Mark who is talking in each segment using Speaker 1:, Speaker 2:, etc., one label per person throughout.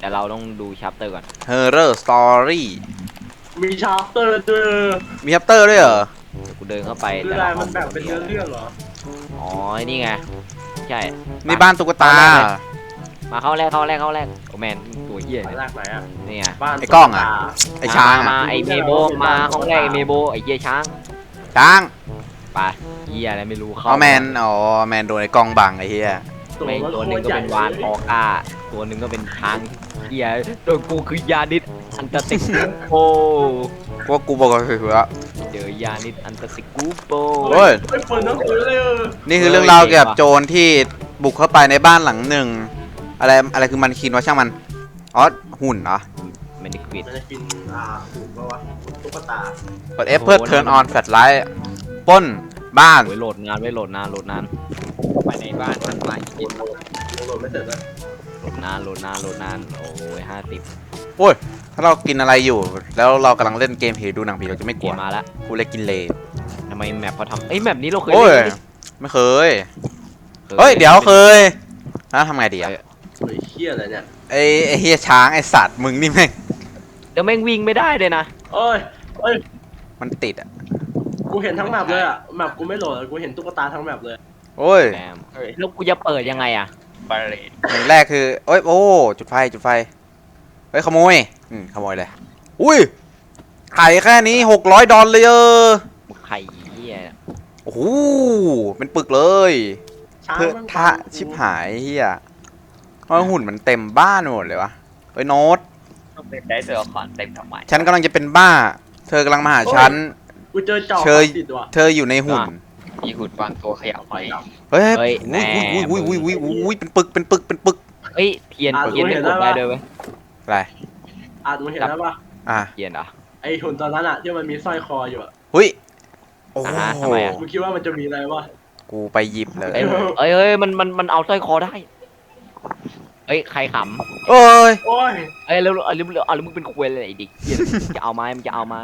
Speaker 1: แต่เราต้องดูชัปเตอร์ก่อน
Speaker 2: Horror Story
Speaker 3: มีชาร์เตอร์ด้วย
Speaker 2: มีชัปเตอร์ด้วยเหรอ
Speaker 1: กูเดินเข้าไป
Speaker 3: คือ
Speaker 1: แต่
Speaker 3: อะไร
Speaker 1: ละห้
Speaker 3: มั
Speaker 1: อง
Speaker 3: นแบ่งเป็นเรื่องเหรอ
Speaker 1: อ๋อนี่ไงใช่
Speaker 2: นี่บ้านตุ๊กตา
Speaker 1: มาเข้าแรกโอแมนตัวเหี้ย
Speaker 3: อัน
Speaker 1: เนี่ย
Speaker 3: แรกไหนอ่ะ
Speaker 1: นี่ไง
Speaker 3: บ้าน
Speaker 2: ไอ้กล้องอะ ไอช้าง
Speaker 1: มา
Speaker 2: อะ
Speaker 1: ไอเมโบมาห้องแรกไอเมโบไอเหี้ยช้าง
Speaker 2: ช้าง
Speaker 1: ไปเหี้ยอะไรไม่รู้เข้า
Speaker 2: อ๋อแมนโดนไอ้กล้องบังไอ้เหี้ย
Speaker 1: ไม่ตัวหนึ่งก็เป็นวานออก้าตัวหนึ่งก็เป็นช้างเหี้ยโดนกูคือยานิดอันตติกูโป
Speaker 2: พวกกูบอกก็คือว่า
Speaker 1: เจอยานิดอันตติกูโป
Speaker 2: โอ้ย
Speaker 3: ไม่เปิดหนังสือเลย
Speaker 2: นี่คือเรื่องราวเกี่ยวกับโจรที่บุกเข้าไปในบ้านหลังหนึ่งอะไรคือมันคินวะช่างมันอ๋อหุ่นเหรอ
Speaker 1: ไม่ได้กรีด
Speaker 3: มันจะกินหุ่นปะวะตุ๊กตา
Speaker 2: กด F เพื่อ turn on flashlight ปล้นบ้าน
Speaker 1: โอ้ยโหลดนานไว้โหลดนาน
Speaker 4: ไปในบ้านมันมากิน
Speaker 3: โหลดไม่เสร็จเลย
Speaker 1: โหลดนานโอ้ย50
Speaker 2: โอ้ยถ้าเรากินอะไรอยู่ แล้วเรากำลังเล่นเกมผีดูหนังผีเราจะไม่ก
Speaker 1: เก
Speaker 2: ลัว
Speaker 1: มมาแล้ว
Speaker 2: กูเลยกินเลย
Speaker 1: ทำไมแมปเขาทำแมปนี้เราเคย
Speaker 2: โอ้ย
Speaker 1: เล่น
Speaker 2: ไม่เคยเฮ้ยเดี๋ยวเคยแล้วทำไงดีอะ
Speaker 3: เฮ้ยเฮี้ยอะไรเนี่ย
Speaker 2: ไอ้เฮียช้างไอ้สัตว์มึงนี่แม่ง
Speaker 1: เดี๋ยวแม่งวิ่งไม่ได้เลยนะ
Speaker 3: เอ้ย
Speaker 2: มันติดอ่ะ
Speaker 3: กูเห็นทั้งแมปเลยอ่ะแมปกูไม่โหลดกูเห็นตุ๊กตาทั้งแมปเลย
Speaker 2: โอ้ย
Speaker 1: แหมแล้วกูจะเปิดยังไงอะ
Speaker 4: บาเลต
Speaker 2: อย่างแรกคือโอ้ยโอ้จุดไฟเฮ้ยขโมยขโมยเลยอุ้ยไข่แค่นี้$600เลย
Speaker 1: ไข่เหี้ย
Speaker 2: โอ้โหเป็นปึกเลย
Speaker 3: ช้าง
Speaker 2: เพื่อ
Speaker 3: มัน
Speaker 2: ทะชิบหายเฮียเพราะหุ่นมันเต็มบ้านหมดเลยวะเฮ้ยโน้ต
Speaker 4: ต้องเป็นได้เสือคอนเต็มทำไม
Speaker 2: ฉันกำลังจะเป็นบ้า เธอกำลังมาหาฉัน
Speaker 3: กูเจอจอบ
Speaker 2: เชย
Speaker 3: ติดว่ะ
Speaker 2: เธออยู่ในหุ่น
Speaker 4: มีหุ่นบางตัวขยับไป
Speaker 2: เฮ้ย
Speaker 1: เฮ้ยแหม
Speaker 2: อุ้ยเป็นปึก
Speaker 1: เฮ้ยเทียนไม่กดได้ด้วยเว้ย
Speaker 2: อะไร
Speaker 3: มึงเห็นแล้วปะ
Speaker 2: อ่ะ
Speaker 1: เทียนเหรอ
Speaker 3: ไอหุ่นตอนนั้นอ่ะที่มันมีสร้อยคออยู่อ่ะ
Speaker 2: เฮ้ยโอ้โห
Speaker 1: ทำไมอะ
Speaker 3: มึงคิดว่ามันจะมีอะไรวะ
Speaker 2: กูไปหยิบเลย
Speaker 1: เอ้ยมันเอาสร้อยคอได้เอ้ยใครข
Speaker 2: โอ้ย
Speaker 3: โอ้ย
Speaker 1: ำเอ้ยแล้วมึงเป็นควยเลยไอ้ดิเหี้ยจะเอาไม้มันจะเอาไม้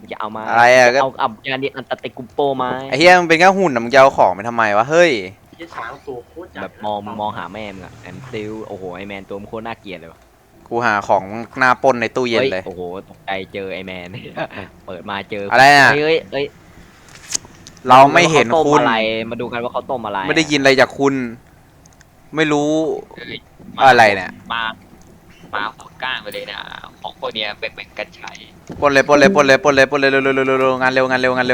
Speaker 2: อะไรอะก็
Speaker 1: เอายานิดอันตติกูโปไม้
Speaker 2: ไอ้เฮียมันเป็นแค่หุ่นนะมึงจะเอาของไปทำไมวะเฮ้ย
Speaker 3: ไอ้ช้างตัวโคตรใหญ่
Speaker 1: แบบมองหาแม่มึงอะแอมซิลโอ้โหไอแมนตัวมันโคตรน่าเกลียดเลยวะ
Speaker 2: กูหาของหน้าปล้นในตู้เย็นเลย
Speaker 1: โอ้โหตกใจเจอไอแมน เปิดมาเจอ
Speaker 2: อะไรน่ะ
Speaker 1: เฮ้ย
Speaker 2: เราไม่เห็น
Speaker 1: ขาต้ม
Speaker 2: คุณ
Speaker 1: อะไรมาดูกันว่าเขาต้มอะไร
Speaker 2: ไม่ได้ยินอะไรจากคุณ ไม่รู้
Speaker 4: เอ้ย
Speaker 2: อะไรเนี่ย
Speaker 4: มาหัวก้านไปเลยนะของพวกเนี้ยเป็นกันใช้
Speaker 2: ปล้นเลยเร็วงานเร็ว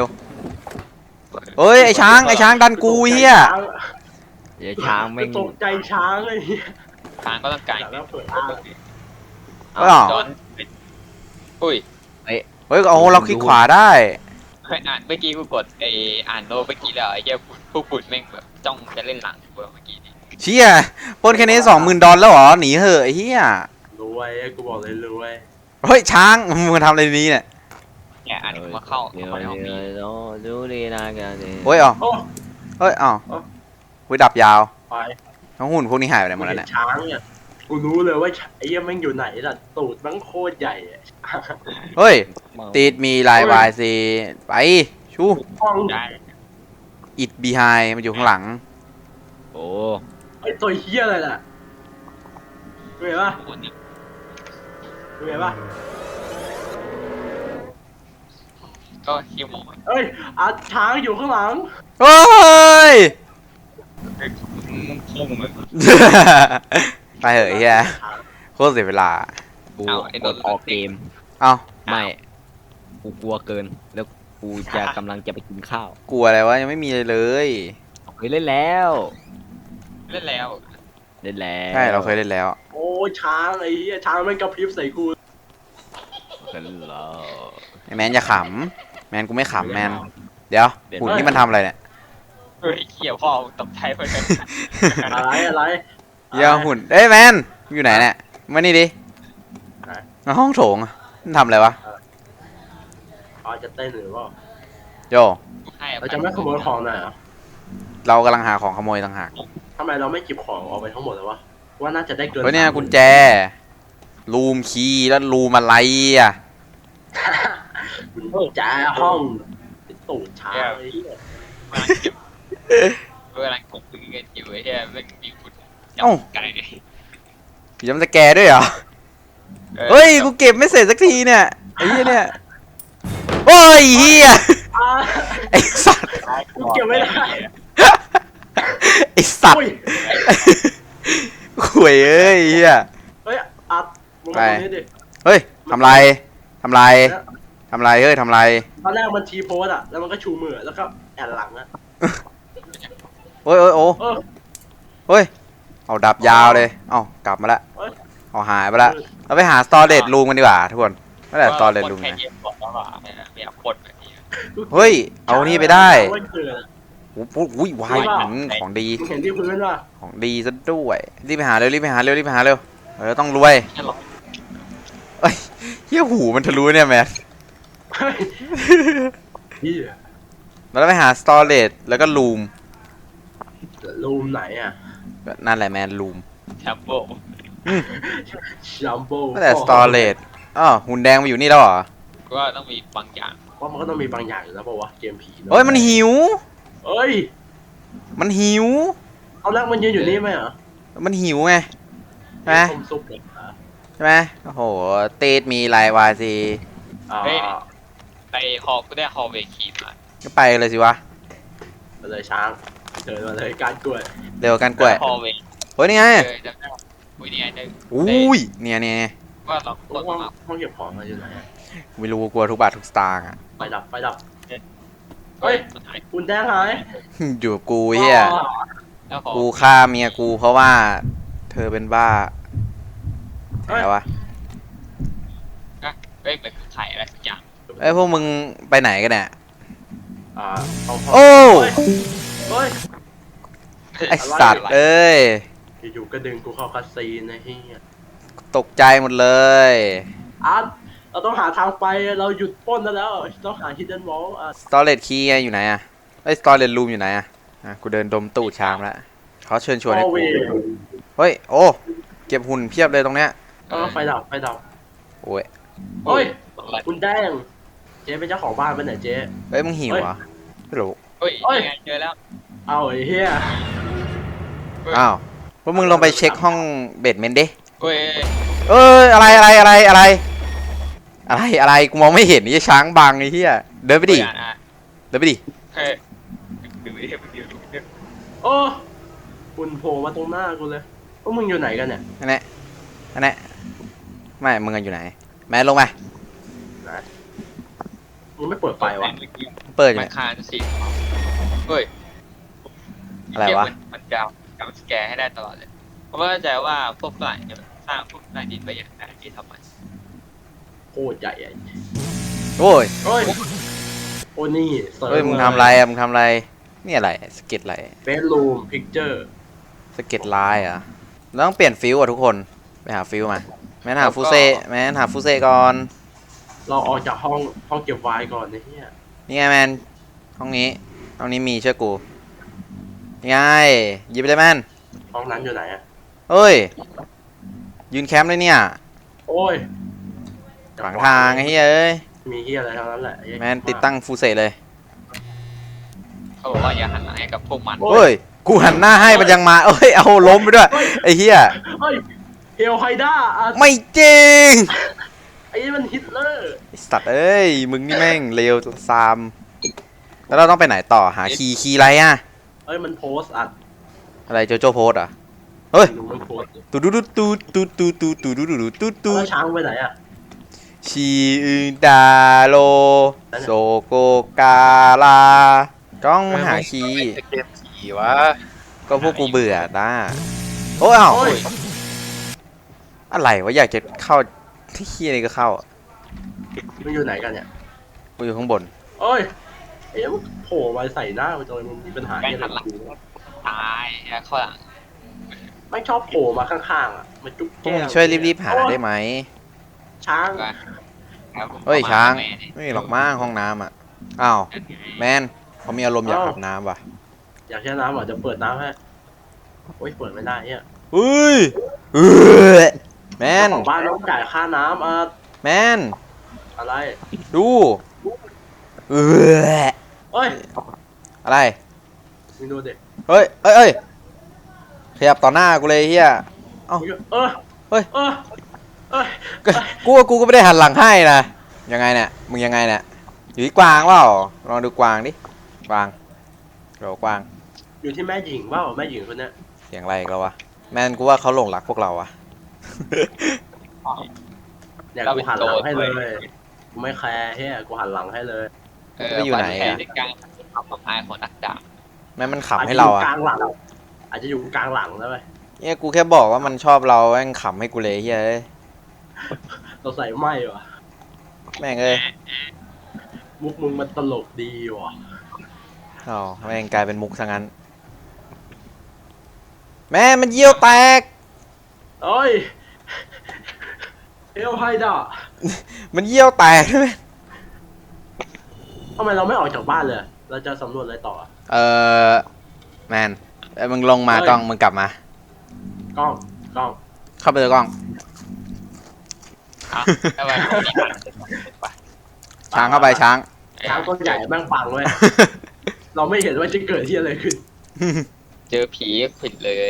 Speaker 2: เฮ้ยไอ้ช้างดันกูเฮีย
Speaker 1: เดี๋ยวช้างแม่ง
Speaker 3: ตกใจช้างเลยเฮีย
Speaker 4: ทางก็ต้องการ
Speaker 3: แล้วเปิด
Speaker 2: เอ้า
Speaker 4: จอนอุ้ย
Speaker 2: เฮ้ยโอ้เราคลิกขวาได้
Speaker 4: เคยอ่านเมื่อกี้กูกดอ่านโน้ตเมื่อกี้แล้วไอ้เหี้ยพวกปุ่นแม่งแบบจ้องจะเล่นหลังกูเมื่อกี้นี้
Speaker 2: เชี่ยปล้นแค่นี้$20,000แล้วเหรอหนีเหอะไอ้เฮีย
Speaker 3: รวยกูบอกเลยรวย
Speaker 2: เฮ้ยช้างมึงมาทำอะไรนี้เนี่ย
Speaker 4: เนี่ยอ่านมาเข้า
Speaker 1: เดี๋ยว
Speaker 4: เข้าในห้องนี้
Speaker 1: ดูดีนะกัน
Speaker 2: เฮ้ยอ๋อ
Speaker 3: โอ้
Speaker 2: เฮ้ยอ๋อ
Speaker 3: เอ้า
Speaker 2: วิดับยาว
Speaker 3: ไป
Speaker 2: ทั้งหุ่นพวกนี้หายไปไหนหม
Speaker 3: กู
Speaker 2: ดแล้ว
Speaker 3: เห็
Speaker 2: เนี่ย
Speaker 3: นช้างเนี่ยกูรู้เลยว่าไอ้เหี้ยแม่งอยู่ไหนล่ะตูดแม่งโคตรใหญ่อะ
Speaker 2: เฮ้ยติดมีลายวายซีไปชู
Speaker 3: ห้อง
Speaker 4: ได้
Speaker 2: อิดบีไฮมันอยู่ข้างหลัง
Speaker 1: โอ้
Speaker 3: ไอ้ตัวเหี้ยอะไรน่ะเห็นปะ
Speaker 4: คนนี้
Speaker 3: เห็นปะ
Speaker 4: ก็ฮิวโมน
Speaker 3: เอ้ยช้างอยู่ข้างหลัง
Speaker 2: เฮ้ย
Speaker 4: พุ่งเลย
Speaker 2: ไปเหอะไอ้เฮียโคตรเสียเวลา
Speaker 1: กูกดออกเกม
Speaker 2: เอ้า
Speaker 1: ไม่กูกลัวเกินแล้วกูจะกำลังจะไปกินข้าว
Speaker 2: กลัวอะไรวะยังไม่มีเลย
Speaker 1: เคยเล่นแล้ว
Speaker 4: เล่นแล้ว
Speaker 2: ใช่เราเคยเล่นแล้ว
Speaker 3: โอ้ยช้างไอ้เหี้ยช้างแม่งกระพริบใส่กู
Speaker 1: เคยเล่นแล้ว
Speaker 2: ไอ้แมนอย่าขำแมนกูไม่ขำแมนเดี๋ยวหุ่นนี่มันทำอะไรเนี่ย
Speaker 4: เฮ้ยเขี่ยวพ่อตกใจไปเลย
Speaker 3: อะไร
Speaker 2: เดี๋ยวหุ่นเอ้ยแมนอยู่ไหนเนี่ยมานี่ดิมาห้องโถงอะมันทำอะไรวะ
Speaker 3: จะเต้นหรือเปล่า
Speaker 2: โย
Speaker 3: เราจะไม่ขโมยของหน่อยเหรอ
Speaker 2: เรากำลังหาของขโมยต่างหาก
Speaker 3: ทำไมเราไม่เก็บของออกไปทั้งหมดเลยวะว่าน่าจะได้เกิน
Speaker 2: เฮ้ยเนี่ยกุญแจรูมคีย์แล้วรูมอะไรอ่ะ
Speaker 3: กุญแจห้องตูดช้างไอ้เหี้ย
Speaker 4: กำลังกบปืนกันอยู่ไอ้เหี้ยไม่มีคุณจับไก่
Speaker 2: ผีจำสแกร์ด้วยเหรอเฮ้ยกูเก็บไม่เสร็จสักทีเนี่ยไอ้เหี้ยเนี่ยโอ้ยเหี้ย
Speaker 3: อ่า
Speaker 2: ไอ้สัตว์
Speaker 3: กูเก็บไม่ได้
Speaker 2: ไอ้สัต
Speaker 3: อุ้
Speaker 2: ว์
Speaker 3: ย
Speaker 2: ข่วยเอ้ยเหี้ย
Speaker 3: เฮ้ยอัดมึงมาตรงนี้ดิ
Speaker 2: เฮ้ยทำไรทำไรทำไรเฮ้ยทำไร
Speaker 3: ตอนแรกมันทีโพสอะแล้วมันก็ชูมือแล้วก็แอนหลังอะ
Speaker 2: โอ้ยโอ้ยโอ้
Speaker 3: เออ
Speaker 2: เฮ้ยเอาดับยาวเลยเอ้ากลับมาละ
Speaker 3: เฮ้ย
Speaker 2: เอาหายไปละเราไปหาสตอเรจรูมกันดีกว่าทุกคนไม่ได้สตอเรจรูม
Speaker 4: แค่
Speaker 2: นะ
Speaker 4: เย็นก่อนแล้วอ่ะไม่อยากปนแบบนี้
Speaker 2: เฮ้ยเอานี่ไปได้
Speaker 3: เว้ยเกิดอะ
Speaker 2: โอ้โหอุ้ยวายของดี
Speaker 3: มึงเห็นที่พื้นป่ะ
Speaker 2: ของดีซะด้วยรีบไปหาเร็วรีบไปหาเร็วรีบไปหาเร็วต้องรวย
Speaker 4: แค่หรอก
Speaker 2: เอ้ยเหี้ยหูมันทะลุเนี่ยแมน
Speaker 3: เฮ้ยเหี้ย
Speaker 2: เราไปหาสตอเรจแล้วก็รูม
Speaker 3: รูมไหนอะ
Speaker 2: นั่นแหละแมนรูม
Speaker 4: แชมโบ
Speaker 3: จัมโบ้
Speaker 2: นั่นแหละสตอเรจอ๋อหุ่นแดงมาอยู่นี่แล้วเหรอ
Speaker 4: ก็ต้องมีบางอย่าง
Speaker 3: ว่ามันก็ต้องมีบางอย่างอยู่แล้วป่าวะเกมผีเนอะ
Speaker 2: เฮ้ยมันหิว
Speaker 3: เอ้ย
Speaker 2: มันหิว
Speaker 3: เอาแรกมันยืนอยู่นี่ไหมเหรอ
Speaker 2: มันหิวไงใช่ไหม
Speaker 3: ต้มซุปเลยอ่ะ
Speaker 2: ใช่ไหมโอ้โหตีดมีลายวาซี
Speaker 3: อ่า
Speaker 4: ไปฮอลก็ได้ฮอลเวคีมา
Speaker 2: ก็ไปเลยสิวะ
Speaker 3: ไปเลยช้างเดินมาเลยการกล้วย
Speaker 2: เร็วกันกล้วย
Speaker 4: ฮอลเว
Speaker 2: เฮ้ยนี่ไง
Speaker 4: จะได้อุ้ยนี่ไงได้
Speaker 2: อุ้ยเนี่ยเนี่ย
Speaker 4: ว่าเรากด
Speaker 3: ห้อง
Speaker 4: มา
Speaker 3: ห้องเก็บของอะไรอยู่ไหนอะ
Speaker 2: ไม่รู้กลัวทุกบาททุกสตางค์อ่ะ
Speaker 3: ไฟดับไฟดับ
Speaker 4: เฮ้ยมันหาย
Speaker 3: คุณแดงหาย
Speaker 2: อยู่กับกูเฮีย
Speaker 3: อ๋อ
Speaker 4: แล้วฮอล
Speaker 2: กูฆ่าเมียกูเพราะว่า เธอเป็นบ้าแถวะ
Speaker 4: เฮ้ยเหมือนไข่อะไรสักอย่าง
Speaker 2: เอ้ยพวกมึงไปไหนกันเนี่ย
Speaker 3: อ่าเอาห้อง
Speaker 2: โอ้
Speaker 3: เฮ้ย
Speaker 2: ไอสัตว์เอ้ย
Speaker 3: อยู่ๆก็ดึงกูเข้าคาซีนนะเฮีย
Speaker 2: ตกใจหมดเลย
Speaker 3: อาร์ตเราต้องหาทางไปเราหยุดปล้นแล้วต้องหา hidden wall อ่ะ
Speaker 2: สตอเรจคีย์อยู่ไหนอะไอยสตอเรจรูมอยู่ไหนอะกูเดินดมตู้ชามแล้วเขาเชิญชวนให้
Speaker 3: โอ
Speaker 2: กู
Speaker 3: เว
Speaker 2: เฮ้ยโอ้เก็บหุ่นเพียบเลยตรงเนี้ย
Speaker 3: ไฟดับไฟดับ
Speaker 2: โอ้ย
Speaker 3: เฮ้ยคุณแดงเจ๊เป็นเจ้าของบ้านเป็นไหนเจ๊
Speaker 2: เฮ้ยมึงหิวเหรอไม่รู้
Speaker 4: เฮ้ย
Speaker 3: เฮ้ย
Speaker 4: ยังไงเจอแล้ว
Speaker 3: เอาไอ้เฮีย
Speaker 2: อ้าวพวกมึงลงไปเช็คห้องเบดเมนต์ดิ
Speaker 4: เฮ้ย
Speaker 2: เอ้ยอะไรกูมองไม่เห็นไอ้ช้างบังไอ้เหี้ยเดินไปดิเดินไปดิ
Speaker 4: เฮ้ยดูดิดูดิ
Speaker 3: โอ้คุณโผล่มาตรงหน้ากูเลยพวกมึงอยู่ไหนกันเนี่ย
Speaker 2: อันนี้ไม่มึงกันอยู่ไหนแมนลงไป
Speaker 3: มึงไม่เปิดไฟวะ
Speaker 2: เปิดอยู่
Speaker 4: มั
Speaker 2: เนี่
Speaker 4: น
Speaker 2: ย
Speaker 4: คานสิเฮ้ย
Speaker 2: อะไรวะ
Speaker 4: มันดาวจำสแกร์ให้ได้ตลอดเลยเพราะว่าเข้าใจว่าพวกฝรั่งเนี่ยสร้างพวกใต้ดินไปอย่างไรที่ทำไม
Speaker 3: โคตรใหญ่อะ
Speaker 2: โอ้ย
Speaker 3: เฮ้ยโอ้นี่เสริม
Speaker 2: เฮ้ยมึงทำอะไรอะมึงทำอะไรนี่อะไรสเก็ตอะไร
Speaker 3: เบดรูมพิกเจอร์
Speaker 2: สเก็ตลายเหรอ่ะเราต้องเปลี่ยนฟิวอ่ะทุกคนไปหาฟิวมาแมนหาฟูเซ่ก่อน
Speaker 3: เราออกจากห้องเก็บไวน์ก่อนนะเฮีย
Speaker 2: นี่ไงแมนห้องนี้มีเชื่อกูนี่ไงหยิบไปเลยแมน
Speaker 3: ห้องนั้นอยู่ไหนอะ
Speaker 2: เฮ้ยยืนแคมป์เลยเนี่ย
Speaker 3: โอ้ย
Speaker 2: ขวางทางไอ้เฮ้ยเอ้ย
Speaker 3: มีเฮียอะไรทั้งนั้นแหละไอ้
Speaker 2: แมนติดตั้งฟูเซ่เลย
Speaker 4: เขาบอกว่าอย่าหันหลังให้กับพวกมัน
Speaker 2: เฮ้ยกูหันหน้าให้มันยังมาเอ้ยเอาล้มไปด้วยไอ้เหี้ย
Speaker 3: เฮ้ยเฮลไฮด้าอ่ะ
Speaker 2: ไม่จริง
Speaker 3: ไอ้นี่มันฮิตเลอร์
Speaker 2: ไอ้สัตว์เอ้ยมึงนี่แม่งเลวซามแล้วเราต้องไปไหนต่อหาคีย์อะไรอ่ะ
Speaker 3: เอ้ยมันโพสต์อัด
Speaker 2: อะไรโจโจ้โพสอ่ะเฮ้ย
Speaker 3: ดูมันโพสต์
Speaker 2: ตูดูดูตูตูตูตูตูดูดูดูตูตู
Speaker 3: แล้วช้างไปไหนอะ
Speaker 2: ชีดาโลโซโกกาลาต้องหาคีย์
Speaker 4: เกมผีวะ
Speaker 2: ก็พวกกูเบื่อนะโอ้ยอ้าว
Speaker 3: โอ้ย
Speaker 2: อะไรวะอยากจะเข้าที่คีย์อะไรก็เข้า
Speaker 3: มันอยู่ไหนกันเนี่ย
Speaker 2: กูอยู่ข้างบน
Speaker 3: โอ้ยเอ๊ะมันโผล่มาใส่หน้าไปจนมันมีปัญหา
Speaker 4: แม่ง
Speaker 3: เนี่ย
Speaker 4: หันหลัง ตายแล้วข้างหลัง
Speaker 3: ไม่ชอบโผล่มาข้างๆอ่ะมันจุ๊บ
Speaker 2: พวก
Speaker 3: แก้
Speaker 2: มึง
Speaker 3: ม
Speaker 2: ช่วยรีบๆหาได้ไหม
Speaker 3: ช้าง
Speaker 2: เฮ้ยช้างไม่มีหรอกมั้งห้องน้ำอ่ะอ้าวแมนเขามีอารมณ์อยากอาบน้ำว่ะ
Speaker 3: อยากแช่น้ำเหรอจะเปิดน้ำให้โอ้ยเปิดไม่ได้เนี่ย
Speaker 2: เฮ้ยแมน
Speaker 3: เจ้าของบ้านต้องจ่ายค่าน้ำ
Speaker 2: แมน
Speaker 3: อะไร
Speaker 2: ดูเออ
Speaker 3: เอ้ย
Speaker 2: อะไร
Speaker 3: มึงดูดิ
Speaker 2: เฮ้ยขยับต่อหน้ากูเลยเฮีย เอ้า
Speaker 3: เออ
Speaker 2: เฮ้ย
Speaker 3: เออเอ้ย
Speaker 2: กูก็ไม่ได้หันหลังให้นะยังไงเนี่ยมึงยังไงเนี่ยอยู่ที่กวางเปล่าลองดูกวางดิกวางโหลกวาง
Speaker 3: อยู่ที่แม่หญิงเปล่าแม่หญิงคนเนี้ย
Speaker 2: เสียงอะไรอีกแล้ววะแมนกูว่าเขาหลงรักพวกเราอะ
Speaker 3: เนี่ยกูหันหลังให้เลยกูไม่แคร์เฮียกูหันหลังให้เลย
Speaker 4: แข่ในการทำกับอายของนักดาบ
Speaker 2: แม่มันขำให้เราอะ
Speaker 3: กลางหลังอาจจะอยู่กลางหลังแล้วไป
Speaker 2: เนี่ยกูแค่บอกว่ามันชอบเราแม่งขำให้กูเลยเฮ้ย
Speaker 3: เราใส่ไม่ว่ะ
Speaker 2: แม่งเอ้ย
Speaker 3: มุกมึงมันตลกดีว่ะ
Speaker 2: อ๋อแม่งกลายเป็นมุกซะงั้นแม่มันเยี่ยวแตก
Speaker 3: เอ้ยเอลไฮด้า
Speaker 2: มันเยี่ยวแตกใช่ไหม
Speaker 3: ทำไมเราไม่ออกจากบ้านเลย เราจะสำรวจอะไรต่อ
Speaker 2: แมนมึงลงมากล้องมึงกลับมาก
Speaker 3: ล้อง
Speaker 2: เข้าไปเลยกล้อง
Speaker 4: ถ้าว่ามีปัญหา
Speaker 2: ช้างเข้าไปช้าง
Speaker 3: ช้างตัวใหญ่แม่งปังเลย เราไม่เห็นว่าจะเกิดที่อะไรขึ้น
Speaker 4: เจอผีผิดเลย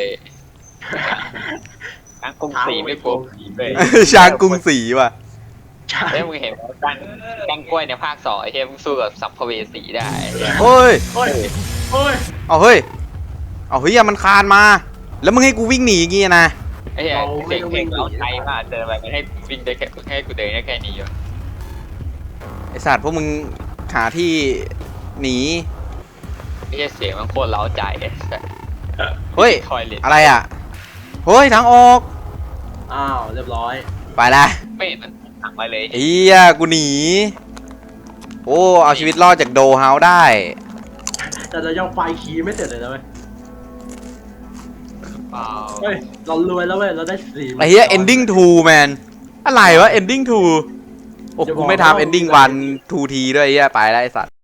Speaker 4: ช้างกรุงศรีไม่กลัวผีเลย
Speaker 2: ช้างกรุงศรีว่ะ
Speaker 3: ใช่
Speaker 4: เฮ้ยมึงเห็นว่ากันกล้วยในภาค2ไอ้เหี้ยมึงสู้กับสัมภเวสีได้
Speaker 2: โอ้ย
Speaker 3: โอ้ยโอ้ย
Speaker 2: เอาเฮ้ยเอาเฮ้ยมันคานมา แล้วมึงให้กูวิ่งหนีอย่างงี้นะ
Speaker 4: ไอ้เหี้ยเก่งๆเอาใจมากเจออะไรให้วิ่งได้แค่ให้กูเดินได้แค่นี้อยู่
Speaker 2: ไอสัตว์พวกมึงหาที่หนี
Speaker 4: ไอ้เหี้ยเสียงมันโคตรเล้าใจไอ้สัส
Speaker 2: เฮ้ย
Speaker 4: ทอยเล็ต
Speaker 2: อะไรอ่ะเฮ้ยทางออก
Speaker 3: อ้าวเรียบร้อย
Speaker 2: ไปละ
Speaker 4: ไม่เห็นมันหักมาเลย
Speaker 2: เฮียกูหนีโอ้เอาชีวิตรอดจากโดเฮาส์ได้
Speaker 3: แต่เรายังไฟคีย์ไม่เสร็จเลยนะเว้ย
Speaker 4: เปล่า
Speaker 3: เฮ้ยเรารวยแล้วเว้ยเราได้สี่
Speaker 2: ไอ้เฮีย ending 2 แมนอะไรวะ ending 2 โอ้กูไม่ทำ ending 1 2 ทีด้วยไอ้เฮียไปแล้วไอ้สัตว์